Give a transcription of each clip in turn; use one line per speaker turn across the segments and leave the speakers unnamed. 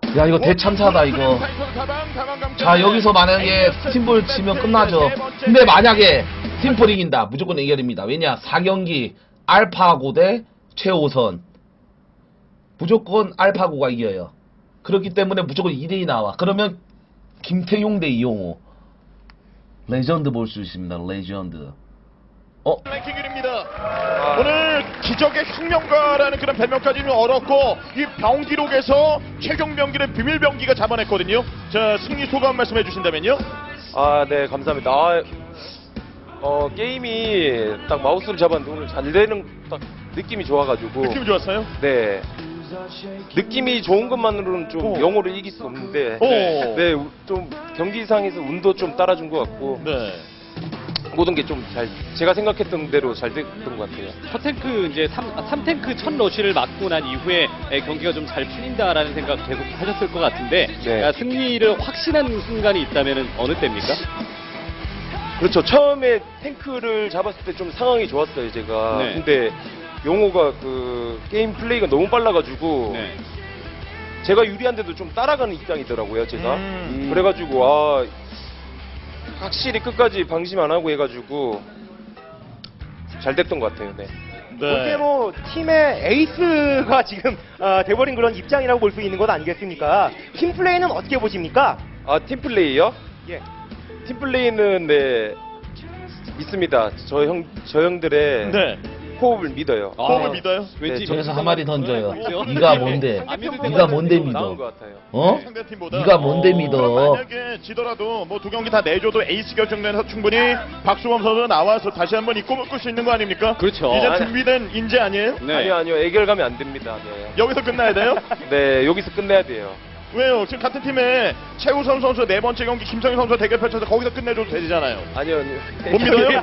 야 이거 대참사다 이거. 자 여기서 만약에 팀볼 치면 끝나죠. 근데 만약에 팀볼이 이긴다 무조건 해결입니다. 왜냐 4경기 알파고 대 최우선 무조건 알파고가 이겨요. 그렇기 때문에 무조건 2대2 나와. 그러면 김태용 대 이용호 레전드 볼 수 있습니다. 레전드.
랭킹입니다. 오늘 기적의 혁명가라는 그런 별명까지는 얻었고 이 병기록에서 최종 병기를 비밀 병기가 잡아냈거든요. 자 승리 소감 말씀해 주신다면요.
아, 네, 감사합니다. 게임이 딱 마우스를 잡았는데 오늘 잘 되는 딱 느낌이 좋아가지고.
느낌 좋았어요?
네. 느낌이 좋은 것만으로는 좀 영어를 이길 수 없는데. 네, 좀 경기상에서 운도 좀 따라준 것 같고.
네.
모든 게 좀 제가 생각했던 대로 잘 됐던 것 같아요.
첫 탱크 이제 3탱크 첫 러쉬를 맞고 난 이후에 경기가 좀 잘 풀린다라는 생각 계속 하셨을 것 같은데
네.
승리를 확신한 순간이 있다면 어느 때입니까?
그렇죠. 처음에 탱크를 잡았을 때 좀 상황이 좋았어요, 제가.
네.
근데 용호가 그 게임 플레이가 너무 빨라가지고
네.
제가 유리한데도 좀 따라가는 입장이더라고요, 제가.
음.
그래가지고 확실히 끝까지 방심 안 하고 해가지고 잘 됐던 것 같아요. 네.
어떻게 뭐 팀의 에이스가 지금 돼버린 그런 입장이라고 볼 수 있는 것 아니겠습니까? 팀 플레이는 어떻게 보십니까?
팀 플레이요?
예.
팀 플레이는 네 믿습니다. 저 형들의
네.
호흡을 믿어요.
호흡을 믿어요?
왠지
저기서 한마디 던져요.
맞죠?
네가 뭔데?
안 믿을
네가 뭔데
나온
믿어?
것 같아요.
어?
상대팀보다.
네가 뭔데
그럼
믿어?
만약에 지더라도 뭐 두 경기 다 내줘도 에이스 결정전에서 충분히 박수범 선수가 나와서 다시 한번 이 꿈을 꿀 수 있는 거 아닙니까?
그렇죠.
이제
아니.
준비된 인재 아니에요?
네.
아니요, 애결가면 안 됩니다. 네.
여기서 끝나야 돼요?
네, 여기서 끝내야 돼요.
왜요? 지금 같은 팀에 최우선 선수 네 번째 경기 김성희 선수와 대결 펼쳐서 거기서 끝내줘도 되잖아요.
아니요.
못 믿어요?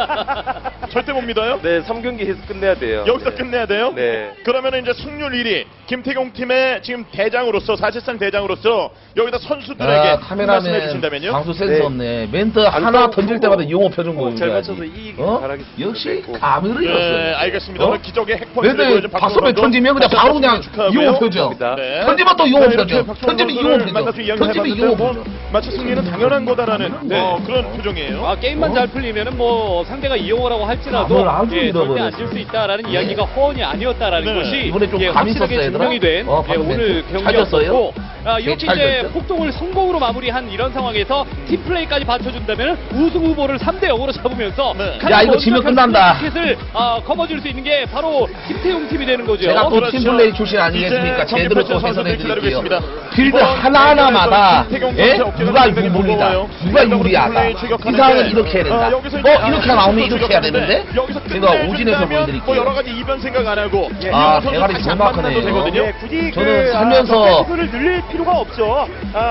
절대 못 믿어요?
네, 3경기 해서 끝내야 돼요.
여기서
네.
끝내야 돼요?
네.
그러면 이제 승률 1위 김태경 팀의 지금 대장으로서 사실상 대장으로서 여기다 선수들에게
아,
말씀해
카메라맨
주신다면요?
방수 센스
네.
없네. 멘트 하나 던질 때마다 이용호 표정
잘
보여줘야지.
맞춰서 이기길
어?
바라겠습니다.
역시
네.
감을
네,
잃었어요.
알겠습니다.
어?
오늘 기적의 핵펀치를
멘트
보여준
박수배 던지면 그냥 바로 그냥 이용호 표정.
네.
던지면 또 이용호
네, 이렇게
표정.
박수범
던지면
선수를
이용호
만나서
표정.
이야기를
던지면
해봤는데
이용호
뭐
표정.
마치 승리는 당연한 거다라는
네.
그런 표정이에요.
게임만 잘 풀리면은 뭐 상대가 이용호라고 할지라도
감을 아주
절대
잃어버렸어.
안 질 수 있다라는 이야기가 허언이 아니었다라는
네.
것이
이번에 좀 감이
확실하게
있었어요,
증명이 된
얘들아? 방금
오늘
멘트. 찾았어요?
경기였고 이렇게
잘
이제
됐죠?
폭동을 성공으로 마무리한 이런 상황에서 팀플레이까지 받쳐준다면 우승 후보를 3대 0으로 잡으면서
네.
야, 이거 지면 끝난다.
티켓을 거머쥘 수 있는 게 바로 김태용 팀이 되는 거죠.
제가 또
그렇죠.
팀플레이 출신 아니겠습니까?
이제
제대로
경기
또
선수들
해설해
기다리고
드릴게요.
있습니다.
필드
이번
하나하나마다
김태경
예?
선수의 어깨가
누가
굉장히
유불이다.
무거워요.
누가
팀플레이
유리하다.
추격하는데,
이상은 이렇게 해야 된다.
여기서 이제
이렇게 나오면 이렇게 해야
추격하는데,
되는데
여기서
제가 오진에서
끝내준다면
보여드릴게요.
뭐 여러 가지 이변 생각 안 하고
아,
이용호 선수
대가리
다시
정말
안 만나도
크네요.
되거든요.
네, 굳이
저는 살면서
를 늘릴 필요가 없죠.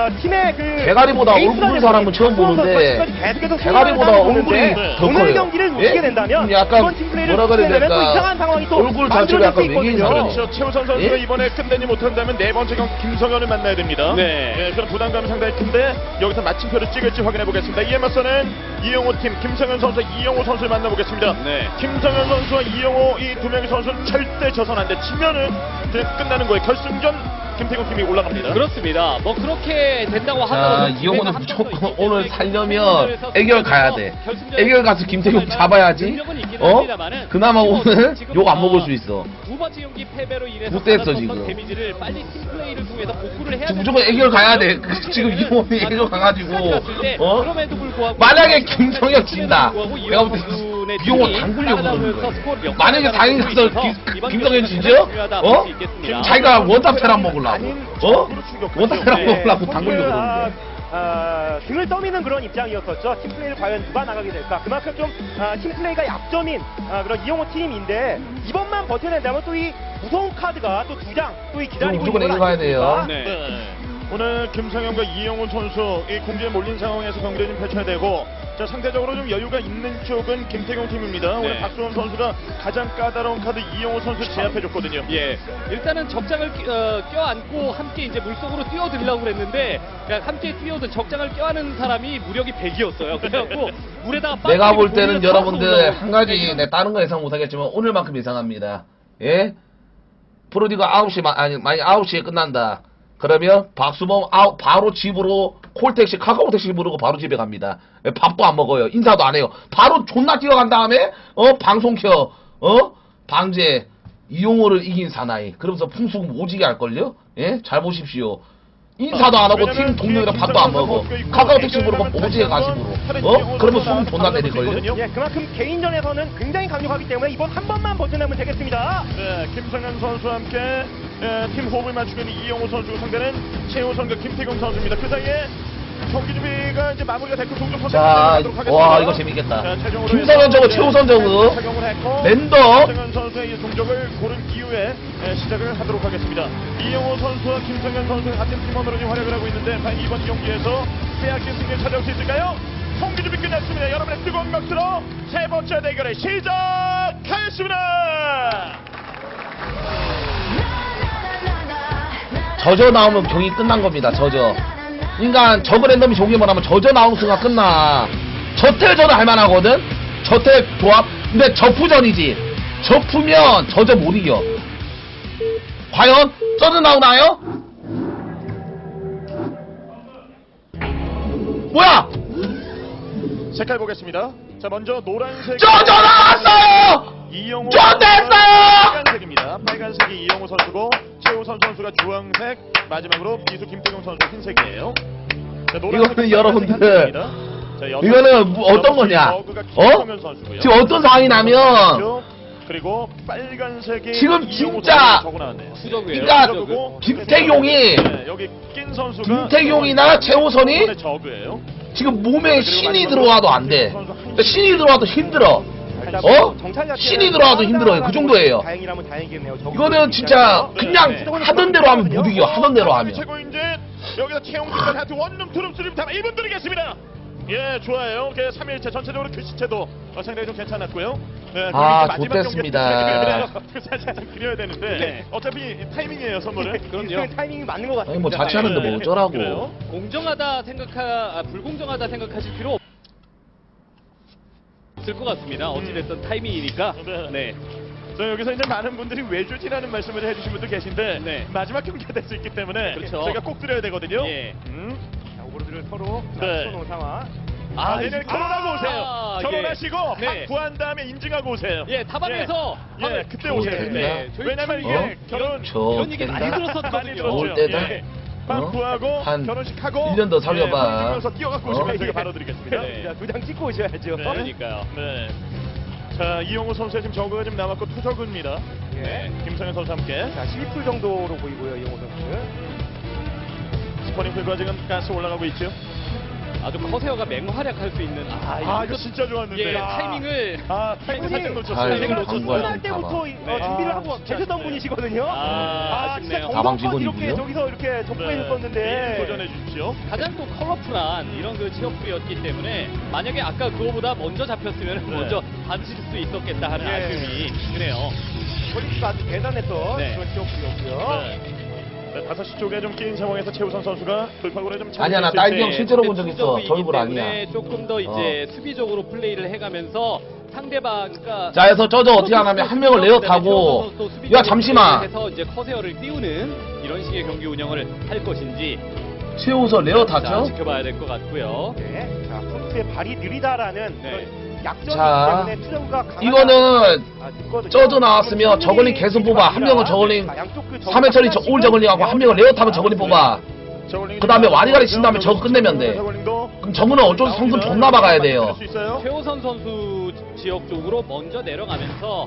팀의 그
대가리보다
에이스가
얼굴 사람은 처음
박수범
보는데
선수가 계속해서
대가리보다
승리를
얼굴이
하는데
더
오늘
커요.
경기를
예?
놓치게 된다면
약간
이번 팀 플레이를
뭐라 그래야
놓치게 되면 또
될까?
이상한 상황이 또
얼굴 자체가
만들어질
약간
수
외계인
있거든요.
사람이에요.
그렇죠. 최우선 선수가
예?
이번에 끝내지 못한다면 네 번째 경기 김성현을 만나야 됩니다.
네.
예, 그런 부담감이 상당히 큰데 여기서 마침표를 찍을지 확인해 보겠습니다. 이에 맞서는 이용호 팀 김성현 선수, 이용호 선수를 만나보겠습니다.
네.
김성현 선수와 이용호 이 두 명의 선수는 절대 져선 안 돼. 치면은 그냥 끝나는 거예요. 결승전 김태경 팀이 올라갑니다.
그렇습니다. 뭐 그렇게 된다고
자,
하더라도
이용호는
기회가 한
무조건
번도 있기
오늘
때문에
살려면
결승전에서
애결 가야 돼.
결승전에서
애결 가서 김태경 잡아야지.
능력은 있기는
어?
합니다만은
그나마 오늘
지금,
욕 안 먹을 수 있어.
두 번째 경기 패배로 인해서
못됐어,
받았었던
지금.
데미지를 빨리 팀플레이를 통해서 복구를 해야
지금 무조건 애결 가야 돼. 지금 이용호는 애결 가가지고 어?
그럼에도 불구하고
만약에 김성현 진다.
불구하고
내가 볼 때
선수의
이용호
팀이
당구려고 그러는
따라가면서
거야.
스코어를 역전하는
만약에 다행히 가서
있어서 이번
김성현
경기는
진죠?
중요하다
어?
볼수 있겠습니다.
자기가 원탑 테란 먹으려고. 어? 원탑 테란
네,
먹으려고 당구려고 그러는 거야.
등을 떠미는 그런 입장이었었죠. 팀플레이를 과연 누가 나가게 될까? 그만큼 좀 팀플레이가 약점인 그런 이용호 팀인데 이번만 버텨낸다면 또 이 무서운 카드가 또 두 장 또 이 기다리고
무조건
있는 건
이겨가야 돼요.
아니겠습니까?
네.
네. 오늘 김성현과 이용훈 선수 이 공지에 몰린 상황에서 경기를 좀 펼쳐야 되고 자 상대적으로 좀 여유가 있는 쪽은 김태경 팀입니다. 오늘
네.
박수원 선수가 가장 까다로운 카드 이용훈 선수 제압해줬거든요.
예, 일단은 적장을 껴안고 함께 이제 물속으로 뛰어들려고 그랬는데 그냥 함께 뛰어든 적장을 껴안은 사람이 무력이 100이었어요. 그래갖고 물에다가
내가 볼
빠뜨리고
때는
본인은
여러분들
올라오고
한 가지 내 다른 거 예상 못하겠지만 오늘만큼 예상합니다. 예? 프로디가 9시 아니 만약 9시에 끝난다. 그러면 박수범 아웃 바로 집으로 콜택시 카카오택시 부르고 바로 집에 갑니다. 밥도 안 먹어요. 인사도 안 해요. 바로 존나 뛰어간 다음에 방송 켜 방제 이용호를 이긴 사나이 그러면서 풍수금 오지게 할걸요? 예? 잘 보십시오. 인사도 안 하고 팀 동료랑 밥도 안 먹어. 카카오택시 부르고 오지게 가식으로 그러면 수금 존나 내릴걸요?
예, 그만큼 개인전에서는 굉장히 강력하기 때문에 이번 한 번만 버텨내면 되겠습니다.
네, 김성현 선수와 함께 팀 호흡을 맞추고 있는 이영호 선수 상대는 최우선과 김태경 선수입니다. 그 사이에 경기 준비가 이제 마무리가 됐고 동점 선수
자, 와 이거 재밌겠다.
최종으로
김성현 저거 최우선 저거
착용을 했고
랜더
김성현 선수의 이 동족을 고른 이후에 시작을 하도록 하겠습니다. 이영호 선수와 김성현 선수 같은 팀원으로 지금 활약을 하고 있는데 과연 이번 경기에서 빼앗긴 승리를 찾아올 수 있을까요? 경기 준비 끝났습니다. 여러분의 뜨거운 박수로 세 번째 대결을 시작하겠습니다.
저저 나오면 경기 끝난 겁니다. 저저. 그러니까 저거 랜덤이 종이만 하면 저저 나오는 순간 끝나. 저텔저는 할만하거든. 저텔 조합. 근데 저푸전이지. 저푸면 저저 못 이겨. 과연 저저 나오나요? 뭐야?
색깔 보겠습니다. 자 먼저 노란색
저저 나왔어요.
이영호
저 됐어요!
빨간색입니다. 빨간색이 이영호 선수고 최우선 선수가 주황색, 마지막으로 비수 김태경 선수 흰색이에요. 자,
이거는 여러분들,
자,
이거는 어떤 거냐? 지금 어떤 상황이 나면
그리고 빨간색이
지금
이영호
진짜
선수가 적어 나왔네요.
수적이에요.
그러니까
저그고
김태경이
네, 여기 낀 선수가
김태경이나 최우선이
이번에 저그예요.
지금 몸에 신이 들어와도 안 돼. 그러니까 신이 들어와도 힘들어. 신이 들어와도 힘들어요. 그 정도예요.
다행이라면 다행이겠네요.
이거는 진짜 그냥 하던 대로 하면 못 이겨. 하던 대로 하면.
최고인지 여기서 최용진과 하트 원룸 투룸 쓰림 다 1분 드리겠습니다. 예, 좋아요. 3일째 전체적으로 글씨체도 상당히 좀 괜찮았고요. 네,
아,
마지막
좋댔습니다.
경기 살짝 그려야 되는데
네.
어차피 타이밍이에요, 선물은.
그럼요.
타이밍이 맞는 것 같습니다.
아니 뭐 자취하는데 뭐 어쩌라고.
그래요?
공정하다 불공정하다 생각하실 필요 없을 것 같습니다. 어찌됐든 타이밍이니까.
네. 저 여기서 이제 많은 분들이 외주지라는 말씀을 해주신 분들 계신데
네.
마지막 경기가 될 수 있기 때문에
그렇죠.
저희가 꼭 드려야 되거든요.
예.
자, 오버로드를 서로
네.
쳐놓은 상황.
내일 결혼하고 오세요. 결혼하시고
네.
밥 구한 다음에 인증하고 오세요.
예, 다방에서
예, 그때 오세요.
좋겠다.
네, 저희
왜냐면
참
이게 결혼
이런 얘기 많이
좋겠다.
들었었거든요.
들었죠.
올 때다.
예. 밥 구하고
한
결혼식하고
1년 더 살려봐.
서 뛰어갖고 오시면 저희가 바로 드리겠습니다.
네.
자, 2장 찍고 오셔야죠.
네.
그러니까요.
네. 자, 이용호 선수의 지금 저그가 좀 남았고 투저그입니다.
예.
김성현 선수 함께
자, 12풀 정도로 보이고요, 이용호 선수.
스포닝 풀과 지금 가스 올라가고 있죠.
아주 커세어가 맹활약할 수 있는
이거 진짜 좋았는데.
예, 타이밍을
타이밍 살짝 놓쳤어요.
아이고,
타이밍
광고할
놓쳤어요.
끝날 때부터 준비를 하고 계셨던
네.
분이시거든요.
아쉽네요.
진짜
가방
정성껏 이렇게
직원이고요.
저기서 이렇게 접근해
네.
줬었는데.
도전해 주십시오.
가장 또 컬러풀한 이런 그 취업부였기 때문에 만약에 아까 그거보다 먼저 잡혔으면
네.
먼저 받으실 수 있었겠다 하는
예.
아쉬움이 드네요.
거리수가 아주 대단했던
네.
그런 기억이었고요.
네, 5시 쪽에 좀 끼인 상황에서 최우선 선수가 돌파구를 좀
아니야, 나
잡을 수
딸기 형
있을지.
실제로 본 적 있어.
투적이기
저 얼굴
때문에
아니야.
조금 더 이제 수비적으로 플레이를 해가면서 상대방 그러니까
자, 해서 저저 어떻게 하냐면 한 명을 레어 타고 야 잠시만
해서 이제 커세어를 띄우는 이런 식의 경기 운영을 할 것인지
최우선 레어
자,
탔죠?
지켜봐야 될 것 같고요.
네. 자, 선수의 발이 느리다라는
네.
그런 약점이기
자,
때문에 투정가 강하다.
이거는
듣거든요.
저저 나왔으면 저글링 계속 뽑아. 한 명은 저글링 3회 처리 올 저글링하고 한 명은 레어 타면 저글링 뽑아. 그 다음에 와리가리 친 다음에 저거 끝내면 돼. 그럼 저거는 어쩔 수 성금 존나 박아야 돼요.
최호선 선수 지역 쪽으로 먼저 내려가면서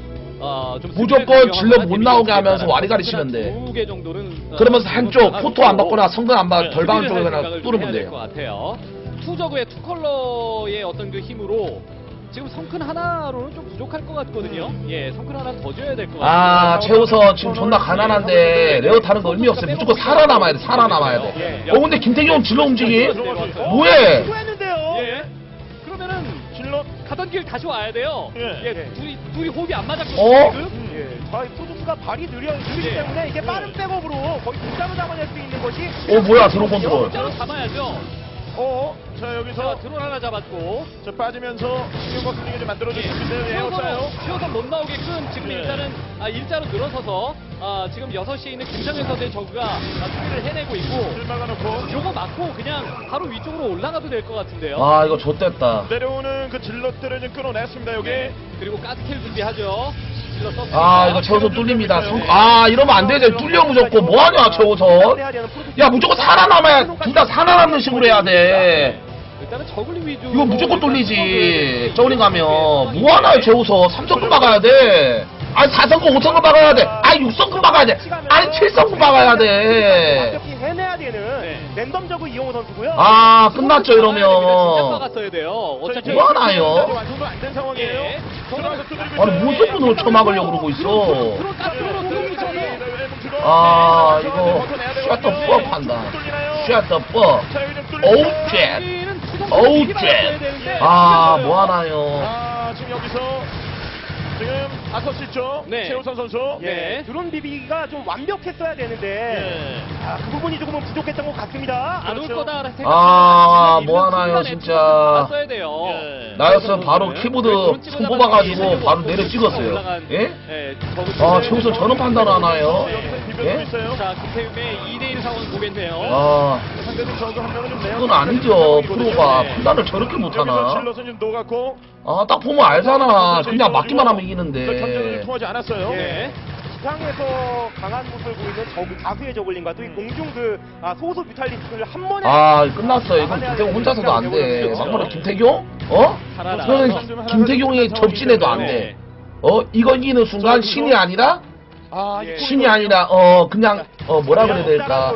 좀
무조건 질러 못 나오게 하면서 와리가리 치면 돼.
2개 정도는
그러면서 한쪽 포토 안 받거나 성근 안 받, 덜 박은 쪽에 그냥 뚫으면
될것
돼요.
같아요. 투저그의 투 컬러의 어떤 그 힘으로 지금 성큰 하나로는 좀 부족할 것 같거든요. 예, 성큰 하나 더 줘야 될 것 같아요.
아, 최우선 지금 존나 가난한데 레어 타는 거 의미 없어요. 무조건 살아남아야 돼. 살아남아야 돼. 근데 김태경 질러 움직이? 뭐해?
했는데요.
예. 그러면은
질러
가던 길 다시 와야 돼요.
예.
예, 둘이 호흡이 안 맞았거든요.
어?
지금.
예. 자, 프로듀스가 발이 느리기
예.
때문에 이게 빠른 백업으로 거의 공짜로 잡아낼 수 있는 것이
뭐야, 드론 컨트롤.
진짜로 잡아야죠.
자 여기서
자, 드론 하나 잡았고.
자 빠지면서 신경과 분위기 좀 만들어줄 수 있는데
최호선
에어싸요.
최호선 못 나오게끔 지금
네.
일단은 일자로 늘어서서 지금 6시에 있는 김정현 선수의 저그가 수비를 해내고 있고
줄 막아놓고
요거 맞고 그냥 바로 위쪽으로 올라가도 될 것 같은데요.
아 이거 좆됐다.
내려오는 그 질럿들을 좀 끊어냈습니다. 여기.
네. 그리고 가스킬 준비하죠. 질러 썼습니다.
아 이거 최우선 뚫립니다. 아 이러면 안 되지. 뚫려 무조건. 뭐하냐 최우선. 야 무조건 살아남아야 둘 다 살아남는 식으로 해야 돼.
일단은 저글링 위주.
이거 무조건 뚫리지. 저울링 가면 뭐하나요 최우선. 3성급 막아야 돼. 아니 4성급 5성급 막아야 돼. 아니 6성급 막아야 돼. 아니 7성급 막아야 돼.
완벽히 해내야 되는
네.
랜덤적으로 이용호 선수고요.
아 끝났죠
진짜
이러면.
막았어야 돼요. 어차피
뭐 하나요?
완성도 안 된 상황이에요.
네.
들어가서 두드리고
아니
있어요.
무슨 분으로 쳐막으려고 그러고 있어.
들어 가스로 들어오셔서
아 이거 샷 더 법 한다. 샷 더 법. 오우 쉣. 오우 쉣. 아 뭐하나요.
아 지금 여기서 지금 5시 쪽
네.
최우선 선수.
네.
드론 비비기가 좀 완벽했어야 되는데
네.
그 부분이 조금은 부족했던 것 같습니다.
안 올
그렇죠.
거다 생각.
아, 뭐 하나요, 진짜.
봤어야 돼요.
예.
나였으면 바로 키보드 손 뽑아가지고 바로 내려 찍었어요. 예?
예.
아 최우선 저런 판단을 하나요?
여기서 비벼주고
예?
있어요.
자, 김태윤의 2대1 상황 보겠네요.
아
상대팀 저그 한 명은 좀 내야
그건 아니죠. 프로가 판단을 저렇게
여기서
못하나?
질럿은 좀 녹았고
아 딱 보면 알잖아. 그냥 맞기만 하면
경전을
이기는데.
통하지 않았어요.
네.
지상에서 강한 모습을 보이는 다수의 저글링과 또 이 공중 소수 뮤탈리스트를 한 번에
아 끝났어. 이건 김태경 혼자서도 안 돼. 막말로 김태경? 어? 그러면 김태경이 접진해도 안 돼. 이거 이기는 순간 신이 아니라
아,
예.
신이 아니라 그냥 뭐라 그래야 될까?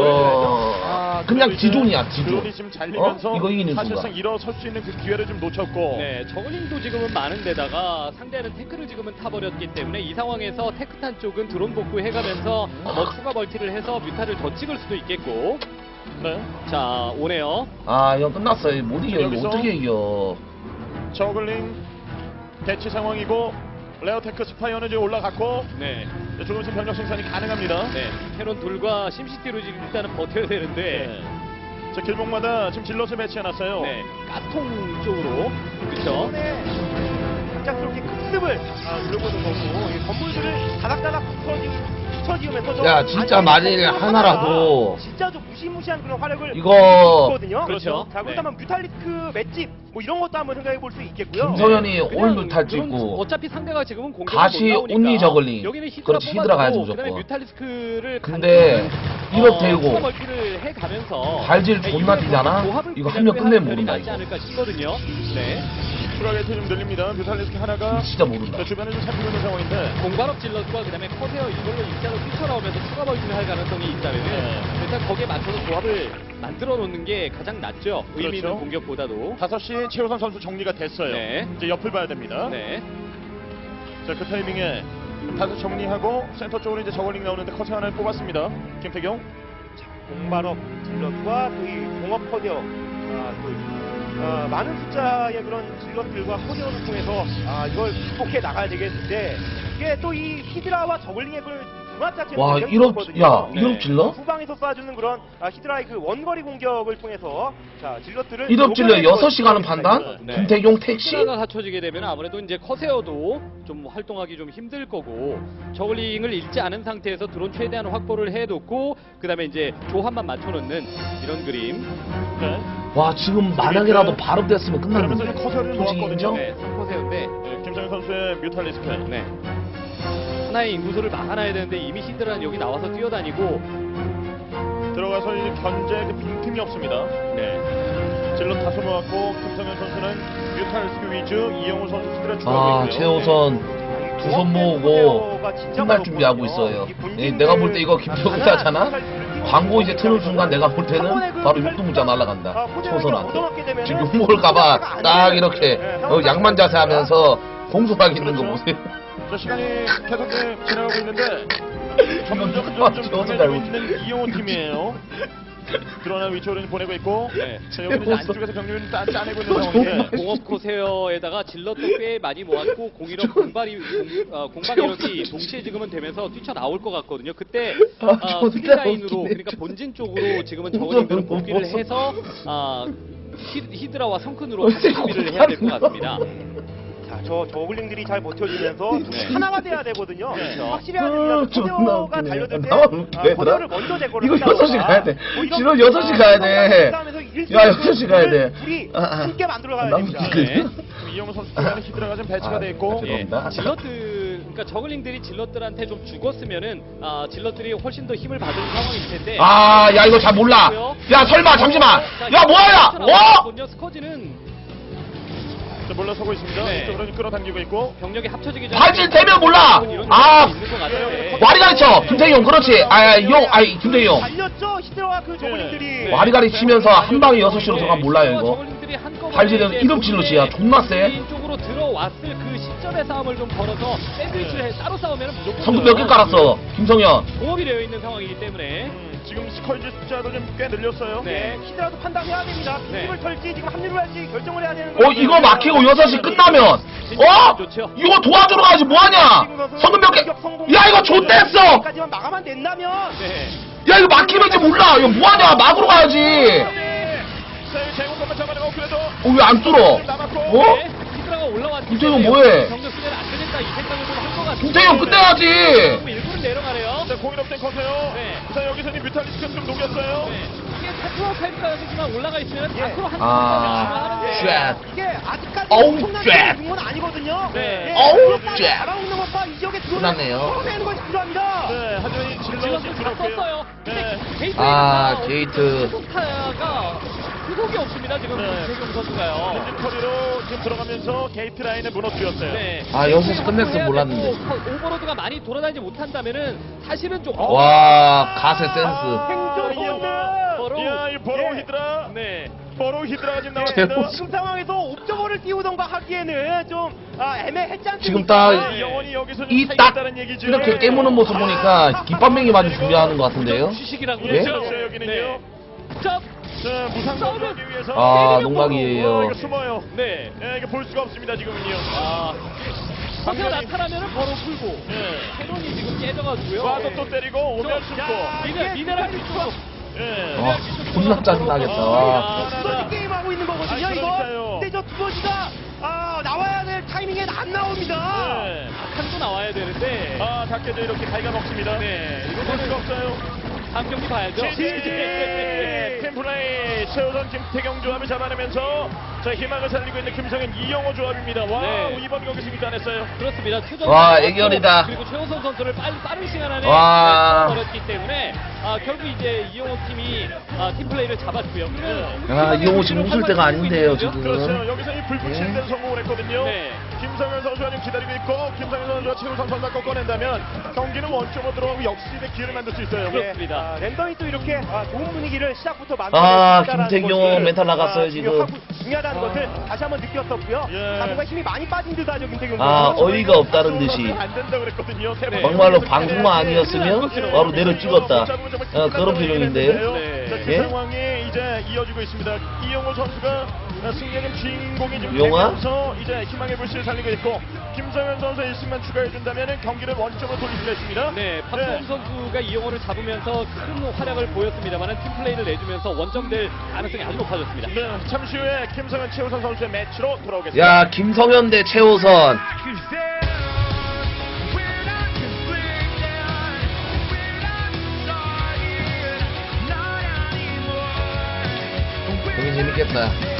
그냥 지존이야 지존.
드론이 지금 잘리면서
이거 이기는
사실상
순간.
일어설 수 있는 그 기회를 좀 놓쳤고.
네, 저글링도 지금은 많은데다가 상대는 테크를 지금은 타버렸기 때문에 이 상황에서 테크탄 쪽은 드론 복구해가면서 뭐 추가 멀티를 해서 뮤타를 더 찍을 수도 있겠고.
네.
자, 오네요.
아 이건 끝났어. 이거 못 이겨. 이거
여기서
어떻게 이겨?
저글링 대치 상황이고 레어테크 스파이어는 지금 올라갔고
네,
조금씩 병력 생산이 가능합니다.
네, 캐논 둘과 심시티로 지금 일단은 버텨야 되는데.
네. 자 길목마다 지금 질럿을 배치해놨어요.
네, 가스통 쪽으로. 그쵸?
갑작스럽게 급습을 누르고는 거고 이 건물들을 다닥다닥 붙여지으면서
야, 진짜 만일 하나라도
진짜 좀 무시무시한 그런 화력을
이거
있거든요.
그렇죠.
자 그렇다면 뮤탈리스크 맷집 뭐 이런 것도 한번 생각해 볼 수 있겠고요.
김성현이
그냥
올뮤탈
드론
찍고
어차피 상대가 지금은 공격을
다시
못 나오니까
온리 저글링.
여기는 히드라
그렇지, 히드라 가야지,
뽑아주고 그다음에
무조건.
뮤탈리스크를
근데 이렇게 되고
추가 멀티를 해가면서
발질 존나
이번에
뛰잖아?
조합을
이거
그냥
하면 끝내면
빼는
모른다,
편이 낫지
이거.
않을까 싶거든요. 네.
추가게이트 좀 늘립니다. 뮤탈리스크 하나가
진짜 모른다.
자, 주변을 좀 살피고 있는 상황인데
공발업 질럿과 그다음에 커세어 이걸로 일자로 뛰쳐나오면서 추가 멀티를 할 가능성이 있다면
네.
일단 거기에 맞춰서 조합을 만들어 놓는 게 가장 낫죠. 의미 있는
그렇죠.
공격보다도.
5시에 최우선 선수 정리가 됐어요.
네.
이제 옆을 봐야 됩니다.
네.
자, 그 타이밍에 다시 정리하고 센터 쪽으로 이제 저글링 나오는데 커세 하나를 뽑았습니다. 김태경.
공발업 질럿과 또 이 공업 커디어 많은 숫자의 그런 질럿들과 커디어를 통해서 이걸 극복해 나가야 되겠는데 이게 또 이 히드라와 저글링의 그 궁합 자체는
와
굉장히
1업
좋거든요.
야
네.
1업 질러?
후방에서 쏴주는 그런 히드라의 그 원거리 공격을 통해서 자 질럿들을
1업 질러
녹여내는
6시 가는 판단?
네.
김태경 택시?
히드라가 갖춰지게 되면 아무래도 이제 커세어도 좀 활동하기 좀 힘들 거고 저글링을 잃지 않은 상태에서 드론 최대한 확보를 해놓고 그다음에 이제 조합만 맞춰놓는 이런 그림.
네.
와 지금 만약에라도 발업됐으면
그러면서
끝났는데.
이제 커세어를
솔직히
놓았거든요.
인정?
네, 커세어인데
네, 김정현 선수의 뮤탈리스크.
네. 하나의 인구수를 막아놔야 되는데 이미 히드라는 여기 나와서 뛰어다니고
들어가서 이제 견제 그 빈틈이 없습니다.
네.
질럿 다소 모았고 김성현 선수는 뮤탈리스크 위주, 이영호 선수 히드라 추가하고
아
있고요.
최우선 두 손 모으고 끝날 준비하고 있어요. 내가 볼 때 이거 김태경 따잖아? 광고 이제 트는 순간 내가 볼 때는 바로 육두문자 날아간다. 초선한테. 지금 욕먹을까봐 딱 이렇게 양만 자세 하면서 공손하게 있는 거 보세요.
자, 시간이 계속 지나가고 있는데 점점
누가
좀
지워서
강해지고
달고
있는 이영호 팀이에요. 드러난 위치로 이제 보내고 있고
네.
자, 여기는 이제 안쪽에서 경륜을 짜내고 있는 상황인데
공업 코세어에다가 질럿도 꽤 많이 모았고 공이력 공방 이력이 동시에 지금은 되면서 뛰쳐나올 것 같거든요. 그때
존나
스피드라인으로
웃기네.
그러니까 본진 쪽으로 지금은 저글링들을 복귀를 해서 히드라와 성큰으로 같이 준비를 해야 될 것 같습니다.
자 저 저글링들이 잘 버텨주면서
네.
하나가 돼야 되거든요.
그렇죠.
확실히 해야 됩니다.
존나
커세어가
웃기네.
달려들 때
나만 웃기네,
커세어를 먼저 제거를
이거
한다거나
6시 가야 돼.
뭐 이런
지금 6시 가야 돼.
싸움에서 이길 수
야,
있는
6시 가야 돼.
둘이
아, 아.
함께 만들어가야
나만
됩니다.
웃기네.
네.
이영호 선수 쪽에는 히드라가 좀 배치가 돼 있고
아,
예,
죄송합니다.
질럿들, 그러니까 저글링들이 질럿들한테 좀 죽었으면은 질럿들이 훨씬 더 힘을 받은 상황일 텐데.
아, 야, 이거 잘 몰라. 야, 설마, 잠시만. 야, 뭐야, 어?
스커지는
자, 물러서고 있습니다.
네.
이쪽으로 끌어당기고 있고.
병력이 합쳐지기 전에
발질 되면 몰라.
이런
아,
경우가 있는 것 같은데.
와리가리 쳐. 김태형, 그렇지. 김태형.
달렸죠 히드라와 그 저글링들이.
네.
와리가리 치면서 한 방에 6시로
네,
들어가면 몰라요, 이거.
저글링들이 한꺼번에
발질은
이제
이름 질럿이야. 존나 세.
본인 쪽으로 들어왔을 그 시점의 싸움을 좀 걸어서 샌드위치를 해 따로 싸우면 무조건
성급 몇 개 깔았어, 김성현.
공업이 되어 있는 상황이기 때문에.
지금 스컬지 숫자도 좀 꽤 늘렸어요.
네.
히드라도 판단해야 됩니다.
네.
힘을 털지 지금 합류를 할지 결정을 해야 되는
이거 막히고 6시 끝나면, 이거 도와주러 가야지, 뭐하냐? 성급 몇 개. 야, 이거 좆됐어!
여기까지만 마감만 낸다면
네.
야, 이거 막히면지 몰라. 이거 뭐하냐? 막으러 가야지.
네. 자, 이 제공권만 잡아내고 그래도
왜 안 뚫어?
남았고.
어?
네. 히드라가 올라왔기
김태형
때문에
뭐해?
병력 쓰면 안 되겠다 이 생각을 좀 한 것 같아요.
김태형 끝내야지.
일부러 내려가네요.
자, 공인 없된 커세요.
네.
자, 여기서는 뮤탈리스크 좀 녹였어요.
네. 이게 타투어 칼까지만 올라가 있으면 다크로 한
아,
하는데.
쉣.
이게 아직까지
어우,
엄청난
쉣.
건 아니거든요.
네.
어우,
그것까지
쉣.
잡아먹는 것과 이 지역에
끝났네요.
풀어내는 것이 필요합니다.
네, 하지만 이 질럿이
질럿을 다
줄었고요.
썼어요.
네.
아, 게이트.
소타가 후속이 없습니다 지금
네.
최경 선수가요.
엔진 커리로 지금 들어가면서 게이트 라인을 무너뜨렸어요.
네.
아, 6시 끝냈으면 몰랐는데.
오버로드가 많이 돌아다니지 못한다면은 사실은 좀
와, 가세 센스.
행정본드.
버로우.
야, 이 버로우
예.
히드라.
네.
버로우 히드라가 지금
제발.
나왔습니다.
지금 상황에서 옵저버를 띄우던가 하기에는 좀 애매했지 않습니까?
지금 딱
이 영혼이 여기서 좀
이 딱
살겠다는 얘기죠.
이렇게 깨무는 모습 보니까 깃밥맹이 맞을 준비하는 것 같은데요?
휴식이라고
예?
그렇죠, 여기는요.
자,
자, 무상으로 하기 위해서.
아,
와,
농락이에요.
이거 숨어요.
네.
예, 이거 볼 수가 없습니다, 지금은요.
아, 커세어
방면이-
나타나면은 바로 풀고.
예.
캐논이 지금 깨져가지고요.
와서 또 때리고 오면
저-
숨고.
미네랄 뒤쪽으로.
예.
와, 존나 짜증나겠다. 와.
아,
두더지 게임 하고 있는 거거든요,
아,
이거.
그러니까요.
근데 저 두더지가 나와야 될 타이밍엔 안 나옵니다.
네.
한도 나와야 되는데.
아, 닭게도 이렇게 갈가 먹습니다.
네.
이거 볼 수가 없어요.
다음 경기 봐야죠.
팀플레이 최우선 김태경 조합을 잡아내면서 자 희망을 살리고 있는 김성현 이영호 조합입니다. 와
네.
이번 경기 승리 따냈어요.
그렇습니다. 최전
와, 애결이다.
그리고 최호선 선수를 빠른 시간 안에
와.
버렸기 때문에 결국 이제 이용호 팀이 팀플레이를 잡았고요.
아, 이용호 지금 웃을 때가 아닌데요, 지금.
그렇죠. 여기서 이 불붙이는
예.
데는 성공을 했거든요.
네.
김성현 선수가 지금 기다리고 있고 김성현 선수가 최우선 선수가 꺾어낸다면 경기는 원점으로 들어가고 역습의 기회를 만들 수 있어요.
그렇습니다.
랜덤이 또 이렇게 좋은 분위기를 시작부터 만들어
아, 김태경 멘탈 나갔어요, 지금.
중요하다는 것을 다시 한번 느꼈었고요.
예.
뭔가 힘이 많이 빠진 듯하죠, 김태경
아,
선수.
어이가 없다는 듯이.
안 된다 그랬거든요.
네.
막말로 방송만 아니었으면 바로 내려 찍었다. 그런 표정인데요.
네.
자, 그
예?
상황이 이제 이어지고 있습니다. 이영호 선수가 승리의 주인공이 지금
용화?
되면서 이제 희망의 불씨를 살리고 있고 김성현 선수 1승만 추가해준다면 경기를 원점으로 돌릴 수가 있습니다.
네, 박수홍 선수가 이용호를 잡으면서 큰 활약을 보였습니다만 팀플레이를 내주면서 원정될 가능성이 아주 높아졌습니다.
네, 잠시 후에 김성현 최우선 선수의 매치로 돌아오겠습니다.
야, 김성현 대 최호선. 경기 재밌겠다.